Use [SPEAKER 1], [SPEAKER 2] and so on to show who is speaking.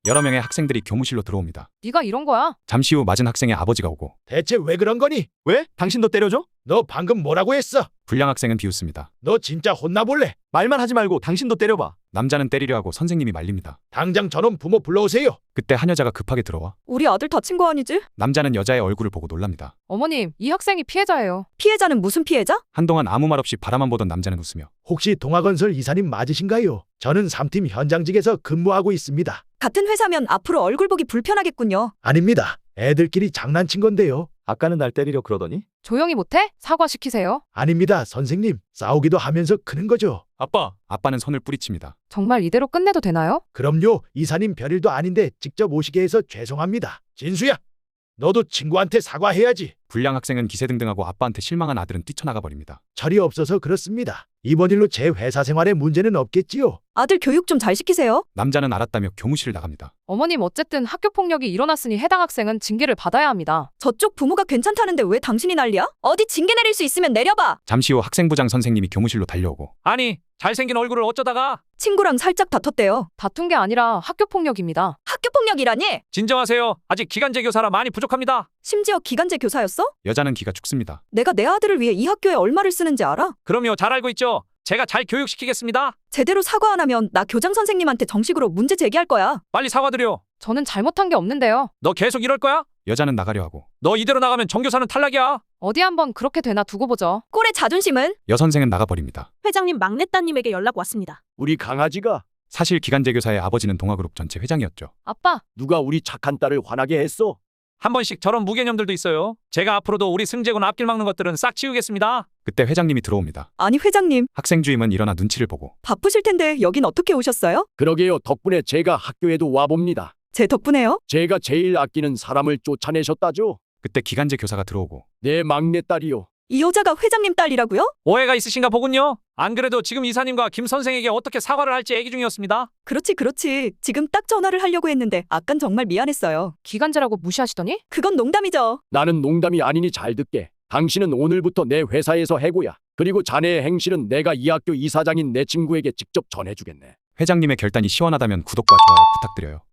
[SPEAKER 1] 여러 명의 학생들이 교무실로 들어옵니다.
[SPEAKER 2] 네가 이런 거야?
[SPEAKER 1] 잠시 후 맞은 학생의 아버지가 오고
[SPEAKER 3] 대체 왜 그런 거니?
[SPEAKER 4] 왜? 당신도 때려줘?
[SPEAKER 3] 너 방금 뭐라고 했어?
[SPEAKER 1] 불량 학생은 비웃습니다.
[SPEAKER 3] 너 진짜 혼나볼래?
[SPEAKER 4] 말만 하지 말고 당신도 때려봐.
[SPEAKER 1] 남자는 때리려 하고 선생님이 말립니다.
[SPEAKER 3] 당장 저놈 부모 불러오세요.
[SPEAKER 1] 그때 한 여자가 급하게 들어와
[SPEAKER 5] 우리 아들 다친 거 아니지?
[SPEAKER 1] 남자는 여자의 얼굴을 보고 놀랍니다.
[SPEAKER 2] 어머님, 이 학생이 피해자예요.
[SPEAKER 5] 피해자는 무슨 피해자?
[SPEAKER 1] 한동안 아무 말 없이 바라만 보던 남자는 웃으며
[SPEAKER 3] 혹시 동아건설 이사님 맞으신가요? 저는 3팀 현장직에서 근무하고 있습니다.
[SPEAKER 5] 같은 회사면 앞으로 얼굴 보기 불편하겠군요.
[SPEAKER 3] 아닙니다. 애들끼리 장난친 건데요.
[SPEAKER 4] 아까는 날 때리려 그러더니?
[SPEAKER 2] 조용히 못해? 사과시키세요.
[SPEAKER 3] 아닙니다, 선생님. 싸우기도 하면서 크는 거죠.
[SPEAKER 1] 아빠는 손을 뿌리칩니다.
[SPEAKER 2] 정말 이대로 끝내도 되나요?
[SPEAKER 3] 그럼요. 이사님 별일도 아닌데 직접 오시게 해서 죄송합니다. 진수야, 너도 친구한테 사과해야지.
[SPEAKER 1] 불량 학생은 기세등등하고 아빠한테 실망한 아들은 뛰쳐나가 버립니다.
[SPEAKER 3] 철이 없어서 그렇습니다. 이번 일로 제 회사 생활에 문제는 없겠지요?
[SPEAKER 5] 아들 교육 좀 잘 시키세요.
[SPEAKER 1] 남자는 알았다며 교무실을 나갑니다.
[SPEAKER 2] 어머님, 어쨌든 학교 폭력이 일어났으니 해당 학생은 징계를 받아야 합니다.
[SPEAKER 5] 저쪽 부모가 괜찮다는데 왜 당신이 난리야? 어디 징계 내릴 수 있으면 내려봐.
[SPEAKER 1] 잠시 후 학생부장 선생님이 교무실로 달려오고
[SPEAKER 6] 아니, 잘생긴 얼굴을 어쩌다가.
[SPEAKER 5] 친구랑 살짝 다퉜대요.
[SPEAKER 2] 다툰 게 아니라 학교 폭력입니다.
[SPEAKER 5] 학교 폭력이라니?
[SPEAKER 6] 진정하세요. 아직 기간제 교사라 많이 부족합니다.
[SPEAKER 5] 심지어 기간제 교사였어?
[SPEAKER 1] 여자는 기가 죽습니다.
[SPEAKER 5] 내가 내 아들을 위해 이 학교에 얼마를 쓰는지 알아?
[SPEAKER 6] 그럼요, 잘 알고 있죠. 제가 잘 교육시키겠습니다.
[SPEAKER 5] 제대로 사과 안 하면 나 교장 선생님한테 정식으로 문제 제기할 거야.
[SPEAKER 6] 빨리 사과드려.
[SPEAKER 2] 저는 잘못한 게 없는데요.
[SPEAKER 6] 너 계속 이럴 거야?
[SPEAKER 1] 여자는 나가려 하고
[SPEAKER 6] 너 이대로 나가면 정교사는 탈락이야.
[SPEAKER 2] 어디 한번 그렇게 되나 두고 보죠.
[SPEAKER 5] 꼴의 자존심은?
[SPEAKER 1] 여선생은 나가버립니다.
[SPEAKER 7] 회장님 막내 따님에게 연락 왔습니다.
[SPEAKER 8] 우리 강아지가
[SPEAKER 1] 사실 기간제 교사의 아버지는 동아그룹 전체 회장이었죠.
[SPEAKER 2] 아빠,
[SPEAKER 8] 누가 우리 착한 딸을 화나게 했어?
[SPEAKER 6] 한 번씩 저런 무개념들도 있어요. 제가 앞으로도 우리 승재군 앞길 막는 것들은 싹 치우겠습니다.
[SPEAKER 1] 그때 회장님이 들어옵니다.
[SPEAKER 5] 아니 회장님,
[SPEAKER 1] 학생 주임은 일어나 눈치를 보고
[SPEAKER 5] 바쁘실 텐데 여긴 어떻게 오셨어요?
[SPEAKER 8] 그러게요. 덕분에 제가 학교에도 와봅니다.
[SPEAKER 5] 제 덕분에요?
[SPEAKER 8] 제가 제일 아끼는 사람을 쫓아내셨다죠.
[SPEAKER 1] 그때 기간제 교사가 들어오고
[SPEAKER 8] 내 막내딸이요.
[SPEAKER 5] 이 여자가 회장님 딸이라고요?
[SPEAKER 6] 오해가 있으신가 보군요. 안 그래도 지금 이사님과 김 선생에게 어떻게 사과를 할지 얘기 중이었습니다.
[SPEAKER 5] 그렇지. 지금 딱 전화를 하려고 했는데 아깐 정말 미안했어요.
[SPEAKER 2] 기간제라고 무시하시더니?
[SPEAKER 5] 그건 농담이죠.
[SPEAKER 8] 나는 농담이 아니니 잘 듣게. 당신은 오늘부터 내 회사에서 해고야. 그리고 자네의 행실은 내가 이 학교 이사장인 내 친구에게 직접 전해주겠네.
[SPEAKER 1] 회장님의 결단이 시원하다면 구독과 좋아요 부탁드려요.